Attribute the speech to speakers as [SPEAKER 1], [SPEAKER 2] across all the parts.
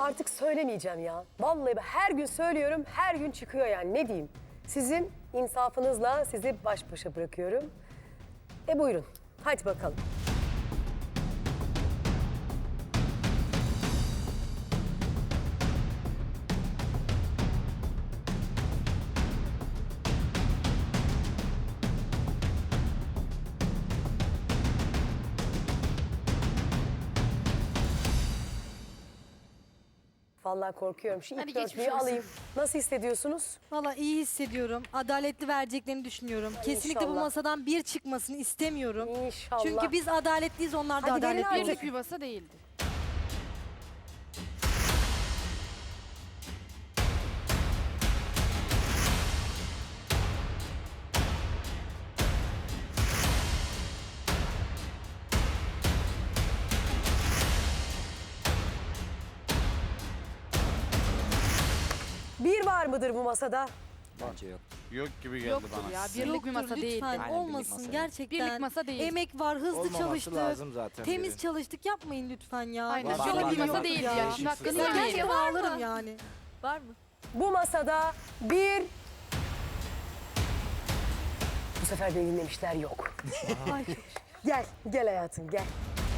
[SPEAKER 1] artık söylemeyeceğim ya. Vallahi ben her gün söylüyorum, her gün çıkıyor yani ne diyeyim. Sizin insafınızla sizi baş başa bırakıyorum. Buyurun, hadi bakalım. Vallahi korkuyorum. Şu
[SPEAKER 2] Hadi
[SPEAKER 1] ilk
[SPEAKER 2] geçmiş
[SPEAKER 1] dörtlüyü
[SPEAKER 2] olsun.
[SPEAKER 1] alayım. Nasıl hissediyorsunuz?
[SPEAKER 3] Valla iyi hissediyorum. Adaletli vereceklerini düşünüyorum. Kesinlikle bu
[SPEAKER 1] inşallah.
[SPEAKER 3] masadan bir çıkmasını istemiyorum.
[SPEAKER 1] İnşallah.
[SPEAKER 3] Çünkü biz adaletliyiz, onlar da
[SPEAKER 1] Hadi verin
[SPEAKER 3] adaletli.
[SPEAKER 1] artık.
[SPEAKER 2] Birlik bir masa değildi.
[SPEAKER 1] Bir var mıdır bu masada?
[SPEAKER 4] Bence yok.
[SPEAKER 5] Yok gibi geldi
[SPEAKER 2] Yoktur
[SPEAKER 5] bana.
[SPEAKER 2] ya. Birlik bir
[SPEAKER 3] Yoktur,
[SPEAKER 2] masa değildi.
[SPEAKER 3] lütfen
[SPEAKER 4] Aynen, birlik
[SPEAKER 3] olmasın
[SPEAKER 4] masa değil.
[SPEAKER 3] gerçekten.
[SPEAKER 2] Birlik masa değil.
[SPEAKER 3] Emek var, hızlı
[SPEAKER 4] Olmaması
[SPEAKER 3] çalıştık.
[SPEAKER 4] lazım zaten
[SPEAKER 3] Temiz
[SPEAKER 4] biri.
[SPEAKER 3] çalıştık, yapmayın lütfen ya.
[SPEAKER 2] Aynen.
[SPEAKER 4] Var,
[SPEAKER 2] Birlik
[SPEAKER 4] var,
[SPEAKER 2] bir
[SPEAKER 4] var.
[SPEAKER 2] masa değildi
[SPEAKER 3] Ya.
[SPEAKER 2] ya. Şimdi hakkını
[SPEAKER 3] Ben
[SPEAKER 2] yemeyelim.
[SPEAKER 3] gerçekten ağlarım yani.
[SPEAKER 2] Var mı?
[SPEAKER 1] Bu masada bir... Bu sefer beni dinlemişler yok.
[SPEAKER 3] Ay, çok
[SPEAKER 1] Gel, gel hayatım gel.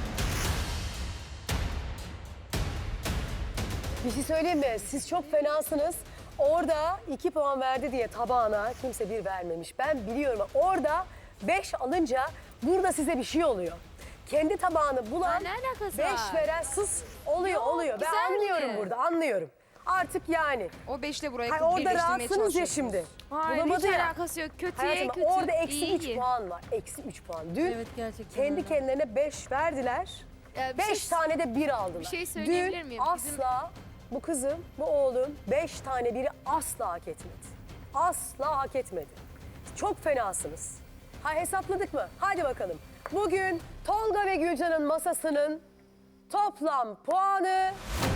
[SPEAKER 1] Bir şey söyleyeyim mi? Siz çok fenasınız. Orada 2 puan verdi diye tabağına kimse 1 vermemiş. Ben biliyorum. Orada 5 alınca burada size bir şey oluyor. Kendi tabağını bulan
[SPEAKER 2] Ne alakası
[SPEAKER 1] 5
[SPEAKER 2] var?
[SPEAKER 1] veren sus oluyor. Ben
[SPEAKER 2] güzeldi.
[SPEAKER 1] anlıyorum burada, anlıyorum. Artık yani.
[SPEAKER 2] O 5'le burayı
[SPEAKER 1] Hayır, orada
[SPEAKER 2] birleştirmeye
[SPEAKER 1] rahatsınız ya
[SPEAKER 2] çalışıyorsunuz.
[SPEAKER 1] şimdi.
[SPEAKER 6] Hayır,
[SPEAKER 1] Bulamadı
[SPEAKER 6] hiç
[SPEAKER 1] ya.
[SPEAKER 6] alakası yok. Kötüye
[SPEAKER 1] Hayatım,
[SPEAKER 6] kötü.
[SPEAKER 1] orada eksi 3
[SPEAKER 6] iyi.
[SPEAKER 1] puan var. Eksi 3 puan. Dün
[SPEAKER 3] Evet, gerçekten
[SPEAKER 1] kendi
[SPEAKER 3] öyle.
[SPEAKER 1] kendilerine 5 verdiler.
[SPEAKER 6] Bir
[SPEAKER 1] 5
[SPEAKER 6] şey-
[SPEAKER 1] tane de 1 aldılar.
[SPEAKER 6] Bir şey söyleyebilir
[SPEAKER 1] Dün
[SPEAKER 6] miyim?
[SPEAKER 1] asla bu kızım, bu oğlum 5 tane biri asla hak etmedi. Asla hak etmedi. Çok fenasınız. Ha, hesapladık mı? Hadi bakalım. Bugün Tolga ve Gülcan'ın masasının toplam puanı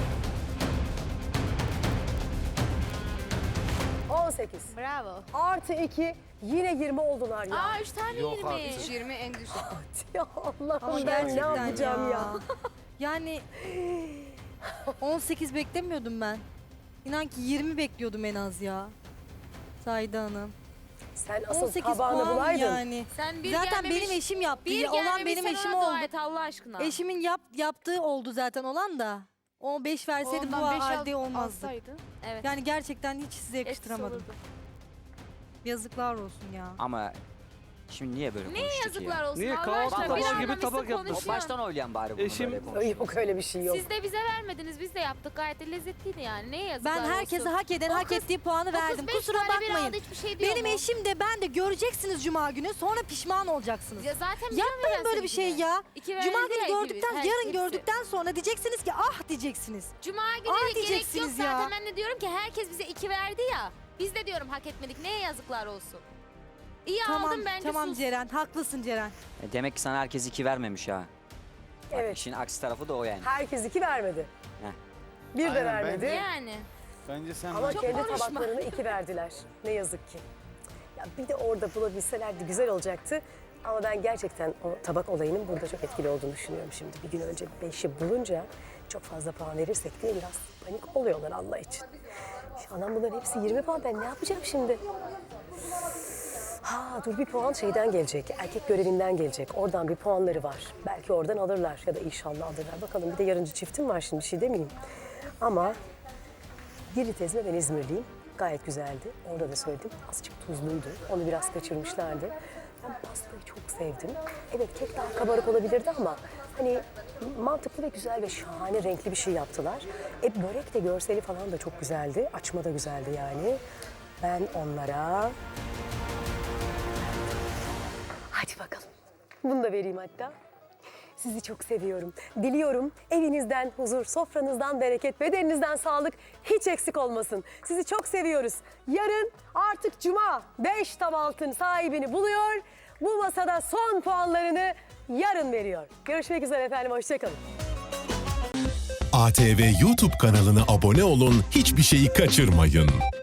[SPEAKER 1] 18.
[SPEAKER 6] Bravo.
[SPEAKER 1] Artı 2 yine 20 oldular ya.
[SPEAKER 6] Aa 3 tane
[SPEAKER 4] Yok
[SPEAKER 6] 20.
[SPEAKER 4] artık.
[SPEAKER 2] 20 en düşük.
[SPEAKER 1] Ya
[SPEAKER 3] Ama
[SPEAKER 1] Allah'ım ben ne
[SPEAKER 3] gerçekten
[SPEAKER 1] yapacağım ya?
[SPEAKER 3] Yani 18 beklemiyordum ben. İnan ki 20 bekliyordum en az ya. Zahide Hanım.
[SPEAKER 1] Sen asıl
[SPEAKER 3] 18
[SPEAKER 1] tabağını
[SPEAKER 3] puan
[SPEAKER 1] bulaydın.
[SPEAKER 3] yani.
[SPEAKER 6] Sen bir
[SPEAKER 3] Zaten
[SPEAKER 6] gelmemiş,
[SPEAKER 3] benim eşim yaptı.
[SPEAKER 6] bir
[SPEAKER 3] Olan
[SPEAKER 6] gelmemiş,
[SPEAKER 3] benim
[SPEAKER 6] sen
[SPEAKER 3] eşim
[SPEAKER 6] ona dua
[SPEAKER 3] oldu.
[SPEAKER 6] et Allah aşkına.
[SPEAKER 3] Eşimin yaptığı oldu zaten olan da. O 5 verseydi bu halde olmazdı.
[SPEAKER 6] Evet.
[SPEAKER 3] Yani gerçekten hiç size
[SPEAKER 6] etkisi
[SPEAKER 3] yakıştıramadım.
[SPEAKER 6] olurdu.
[SPEAKER 3] Yazıklar olsun ya.
[SPEAKER 4] Ama şimdi niye böyle
[SPEAKER 6] Neye
[SPEAKER 4] konuştuk
[SPEAKER 6] yazıklar
[SPEAKER 4] ya?
[SPEAKER 6] olsun
[SPEAKER 5] Niye
[SPEAKER 6] Allah
[SPEAKER 5] kahvaltı
[SPEAKER 6] aşkına?
[SPEAKER 4] tabağı
[SPEAKER 6] Bir
[SPEAKER 4] gibi
[SPEAKER 6] anlamışsın,
[SPEAKER 5] tabak yapmış?
[SPEAKER 4] O
[SPEAKER 6] konuşuyorsun.
[SPEAKER 4] baştan oylayan bari bunu
[SPEAKER 5] Eşim-
[SPEAKER 4] böyle konuştuk.
[SPEAKER 1] Yok öyle bir şey yok.
[SPEAKER 6] Siz de bize vermediniz, biz de yaptık. Gayet de lezzetliydi yani. Neye yazıklar
[SPEAKER 3] Ben herkese
[SPEAKER 6] olsun?
[SPEAKER 3] hak eden,
[SPEAKER 6] O
[SPEAKER 3] hak
[SPEAKER 6] kız-
[SPEAKER 3] ettiği puanı
[SPEAKER 6] O kız
[SPEAKER 3] verdim.
[SPEAKER 6] 5
[SPEAKER 3] Kusura
[SPEAKER 6] tane bir
[SPEAKER 3] bakmayın.
[SPEAKER 6] aldı, hiçbir şey diyor
[SPEAKER 3] Benim
[SPEAKER 6] mu?
[SPEAKER 3] eşim de ben de göreceksiniz cuma günü, sonra pişman olacaksınız.
[SPEAKER 6] Ya zaten
[SPEAKER 3] Yapmayın böyle bir şey ya. Cuma günü gördükten, yarın
[SPEAKER 6] hepsi.
[SPEAKER 3] gördükten sonra diyeceksiniz ki ah diyeceksiniz.
[SPEAKER 6] Cuma günü
[SPEAKER 3] Ah
[SPEAKER 6] de gerek yok
[SPEAKER 3] diyeceksiniz ya.
[SPEAKER 6] zaten. Ben de diyorum ki herkes bize 2 verdi ya. Biz de diyorum hak etmedik. Neye yazıklar olsun? İyi
[SPEAKER 3] Tamam,
[SPEAKER 6] aldım bence
[SPEAKER 3] tamam
[SPEAKER 6] sus.
[SPEAKER 3] Ceren, haklısın Ceren.
[SPEAKER 4] Demek ki sana herkes 2 vermemiş ha. Bak,
[SPEAKER 1] Evet.
[SPEAKER 4] işin aksi tarafı da o yani.
[SPEAKER 1] Herkes 2 vermedi.
[SPEAKER 4] Heh.
[SPEAKER 1] Bir de
[SPEAKER 5] Aynen,
[SPEAKER 1] vermedi.
[SPEAKER 6] Yani.
[SPEAKER 5] Bence sen
[SPEAKER 1] Ama
[SPEAKER 5] çok
[SPEAKER 1] kendi
[SPEAKER 6] konuşma.
[SPEAKER 1] tabaklarını 2 verdiler. Ne yazık ki. Ya bir de orada bulabilselerdi güzel olacaktı. Ama ben gerçekten o tabak olayının burada çok etkili olduğunu düşünüyorum şimdi. Bir gün önce 5'i bulunca çok fazla puan verirsek diye biraz panik oluyorlar Allah için. Anam bunların hepsi 20 puan. Ben ne yapacağım şimdi? Ha dur, bir puan şeyden gelecek. Erkek görevinden gelecek. Oradan bir puanları var. Belki oradan alırlar ya da inşallah alırlar. Bakalım, bir de yarıncı çiftim var, şimdi bir şey demeyeyim. Ama Girit ezme, ben İzmirliyim. Gayet güzeldi. Orada da söyledim. Azıcık tuzluydu. Onu biraz kaçırmışlardı. Ben pastayı çok sevdim. Evet, kek daha kabarık olabilirdi ama hani mantıklı ve güzel ve şahane renkli bir şey yaptılar. Börek de görseli falan da çok güzeldi. Açma da güzeldi yani. Ben onlara... Hadi bakalım. Bunu da vereyim hatta. Sizi çok seviyorum. Diliyorum evinizden huzur, sofranızdan bereket, bedeninizden sağlık hiç eksik olmasın. Sizi çok seviyoruz. Yarın artık Cuma 5 tam altın sahibini buluyor. Bu masada son puanlarını yarın veriyor. Görüşmek üzere efendim, hoşçakalın.
[SPEAKER 7] ATV YouTube kanalına abone olun, hiçbir şeyi kaçırmayın.